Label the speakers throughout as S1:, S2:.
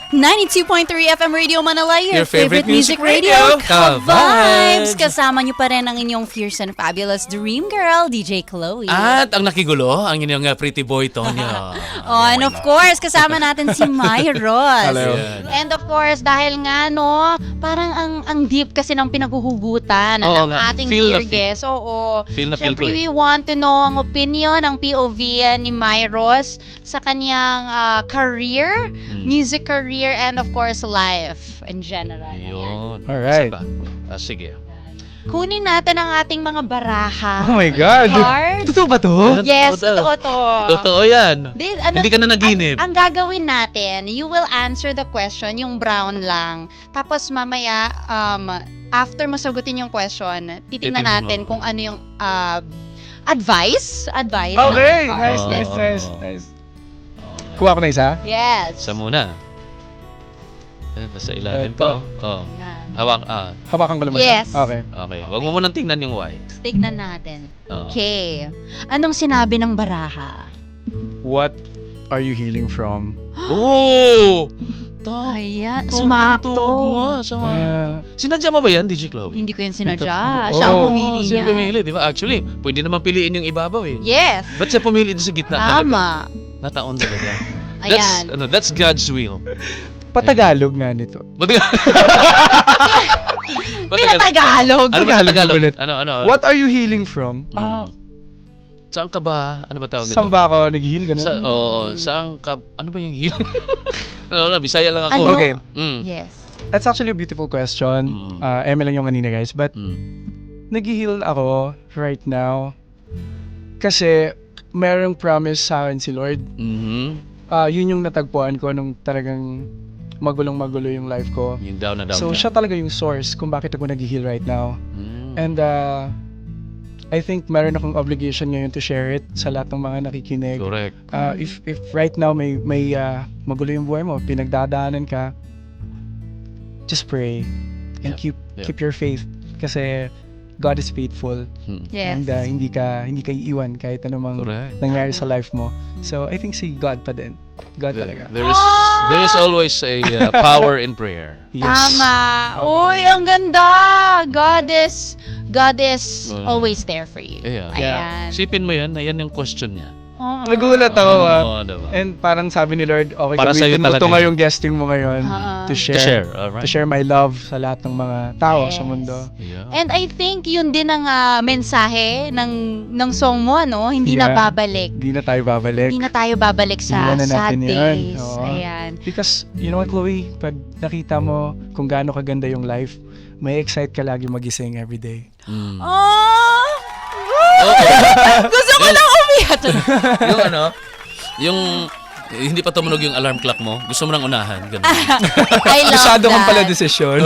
S1: 92.3 FM Radio Manila, your
S2: favorite music
S1: radio,
S2: radio,
S1: Ka-Vibes!
S2: Ka-Vibes!
S1: Kasama niyo pa rin ang inyong fierce and fabulous dream girl, DJ Chloe.
S2: At ang nakigulo, ang inyong pretty boy, Tonyo.
S1: And of course, kasama natin si Maya Ross.
S3: Hello.
S1: And of course, dahil nga, no, parang ang deep kasi ng pinaghuhugutan
S3: Oo
S1: ng
S3: nga.
S1: ating
S3: Feel na
S1: dear guest. Oo.
S3: Feel na feel
S1: Siyempre,
S3: ko
S1: we
S3: eh.
S1: want to know ang opinion, ang POV ni Maya Ross sa kanyang career, music career, and of course, life in general.
S3: Yun.
S4: Alright.
S3: Isa pa. Sige.
S1: Kunin natin ang ating mga baraha.
S4: Oh my God!
S1: Cards.
S4: Totoo ba to?
S1: Yes,
S3: Totoo.
S1: totoo to.
S3: Totoo yan.
S1: Hindi
S3: ka na naginip.
S1: Ang gagawin natin, you will answer the question, yung brown lang. Tapos mamaya, after masagutin yung question, titingnan
S3: Titingnan mo.
S1: natin kung ano yung advice. Advice.
S4: Okay!
S1: ng
S4: Nice,
S1: card.
S4: nice, nice, nice. Kuha ko na isa?
S1: Yes.
S3: Isa muna. Nasa ilalim
S4: Ito.
S3: pa. Oh.
S1: Yan.
S3: Hawak.
S4: Hawakan ko naman.
S1: Yes.
S4: Okay.
S3: Okay. Huwag mo munang tingnan yung white.
S1: Tignan natin.
S3: Oo.
S1: Okay. Anong sinabi ng baraha?
S4: What are you healing from?
S3: Oh!
S1: Ayan,
S3: Tuwag
S1: sumakto.
S3: nga. Sinadya mo ba yan, DJ Chloe?
S1: Hindi ko yun sinadya. Siya ang
S4: Oo,
S1: pumili
S3: Siya
S1: niya.
S3: pumili, di ba? Actually, pwede naman piliin yung ibabaw eh.
S1: Yes.
S3: Ba't siya pumili doon sa gitna talaga?
S1: Tama.
S3: Nataon talaga.
S1: Ayan.
S3: That's God's will.
S4: Patagalog nga nito.
S1: Pinatagalog.
S3: Ano ba
S4: Tagalog
S3: Tagalog?
S4: ulit.
S3: Ano?
S4: What are you healing from?
S3: Saan ka ba? Ano ba tawag nito?
S4: Saan ba ako nag-heal? Ganun?
S3: Saan ka? Ano ba yung heal? Bisaya lang ako.
S1: Ano?
S4: Okay.
S3: Mm.
S1: Yes.
S4: That's actually a beautiful question. Eme lang yung kanina guys. But nag-heal ako right now kasi merong promise sa akin si Lord. Yun yung natagpuan ko nung talagang magulong-magulo yung life ko.
S3: Yung down na down
S4: So
S3: ka.
S4: siya talaga yung source kung bakit ako nag-heal right now.
S3: Mm.
S4: And I think meron akong obligation ngayon to share it sa lahat ng mga nakikinig.
S3: Correct.
S4: If right now may magulo yung buhay mo, pinagdadaanan ka, just pray and
S3: Yeah.
S4: keep your faith kasi God is faithful.
S1: Yes.
S4: And hindi ka iiwan kahit anumang
S3: Correct.
S4: nangyari sa life mo. So I think si God pa din. God talaga.
S3: There is always a power in prayer.
S4: Yes.
S1: Tama. Uy, ang ganda. God is always there for you.
S3: Yeah.
S1: Ayan.
S3: Sipin mo yan, na yan yung question niya.
S1: Oo.
S4: Nagulat ako
S3: Oo, diba?
S4: And parang sabi ni Lord, okay,
S3: Para sa'yo
S4: gamitin mo
S3: talaga
S4: to
S3: yun.
S4: ngayong guesting mo ngayon to
S3: To share, alright.
S4: to share my love sa lahat ng mga tao sa
S1: Yes.
S4: mundo.
S3: Yeah.
S1: And I think yun din ang mensahe ng song mo, ano? Hindi na
S4: Yeah.
S1: babalik.
S4: Hindi na tayo babalik.
S1: Hindi na tayo babalik sa
S4: Iwanan
S1: sad
S4: natin yan.
S1: days.
S4: Oo.
S1: Ayan.
S4: Because, you know what, Chloe? Pag nakita mo kung gaano kaganda yung life, may excite ka lagi magising everyday.
S3: Mm.
S1: Oh! Gusto ko lang umiyak.
S3: Yung ano, yung hindi pa tumunog yung alarm clock mo, gusto mo nang unahan. Ganun.
S1: I love
S4: Masyado kang
S1: that.
S4: pala desisyon.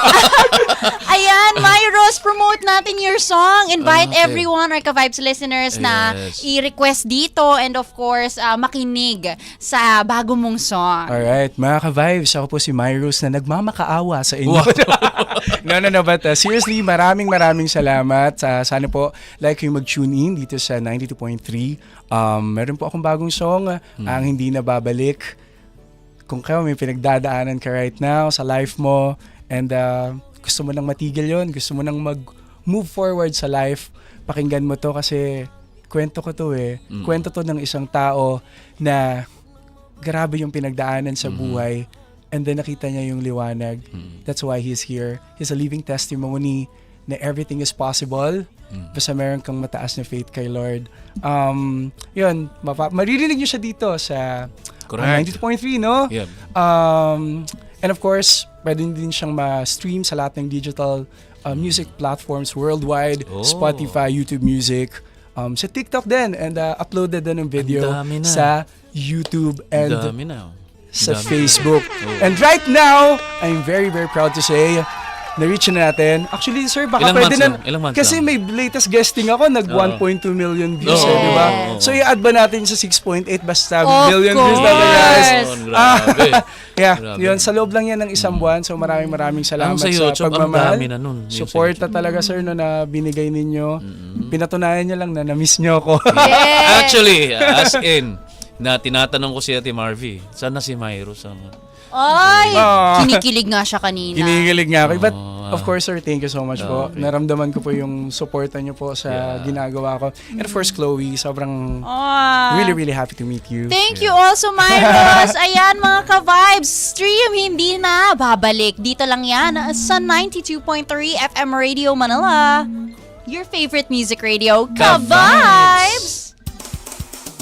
S1: Ayan, Myros, promote natin your song. Invite
S3: Okay.
S1: everyone, our Ka-Vibes listeners na
S3: Yes.
S1: i-request dito and of course, makinig sa bago mong song.
S4: Alright, mga ka-vibes, ako po si Myros na nagmamakaawa sa inyo. No, but seriously, maraming salamat. Sana po like yung mag-tune in dito sa 92.3. Meron po akong bagong song, ang Hindi na Babalik. Kung kayo may pinagdadaanan ka right now sa life mo and gusto mo nang matigil yon, gusto mo nang mag-move forward sa life, pakinggan mo to kasi kwento ko to eh. Kwento to ng isang tao na grabe yung pinagdaanan sa buhay and then nakita niya yung liwanag. That's why he's here. He's a living testimony na everything is possible basta meron kang mataas na faith kay Lord. Yun, maririnig niyo siya dito sa
S3: Correct.
S4: 92.3, no?
S3: Yeah.
S4: And of course, pwede din siyang ma-stream sa lahat ng digital music platforms worldwide,
S3: Oh.
S4: Spotify, YouTube Music, sa TikTok din, and uploaded din ng video
S3: Ang dami na.
S4: sa YouTube and
S3: Dami na.
S4: sa
S3: Dami.
S4: Facebook. And right now, I'm very proud to say, na-reach na natin. Actually, sir, baka
S3: Ilang
S4: pwede
S3: months
S4: na.
S3: lang? Ilang months
S4: Kasi
S3: lang?
S4: may latest guesting ako, nag 1.2 million views,
S3: Oo.
S4: di ba?
S3: Oo.
S4: So, i-add ba natin sa 6.8 basta
S1: Of
S4: million views natin,
S1: course.
S4: guys?
S3: Oh, grabe.
S4: Yeah,
S3: Grabe.
S4: yun. Sa loob lang yan ng isang buwan. So, maraming salamat
S3: Ang sa
S4: sa
S3: YouTube, ang
S4: pagmamahal.
S3: dami na nun. Yung sa
S4: Suporta talaga, sir, no, na binigay ninyo. Pinatunayan nyo lang na na-miss nyo ako.
S1: Yes.
S3: Actually, as in, na tinatanong ko si Ate Marvy, saan na si Myros?
S1: Ay!
S4: Ah.
S1: Kinikilig nga siya kanina.
S4: Kinikilig nga ako. But
S3: Oh,
S4: of course, sir, thank you so much po.
S3: Okay.
S4: Naramdaman ko po yung suporta niyo po sa
S3: Yeah.
S4: ginagawa ko. And of course, Chloe, sobrang
S1: Ah.
S4: really, really happy to meet you.
S1: Thank you also, Myros. Ayan, mga ka-vibes. Stream hindi na babalik. Dito lang yan sa 92.3 FM Radio Manila. Your favorite music radio,
S3: Ka-Vibes!
S1: Ka-Vibes!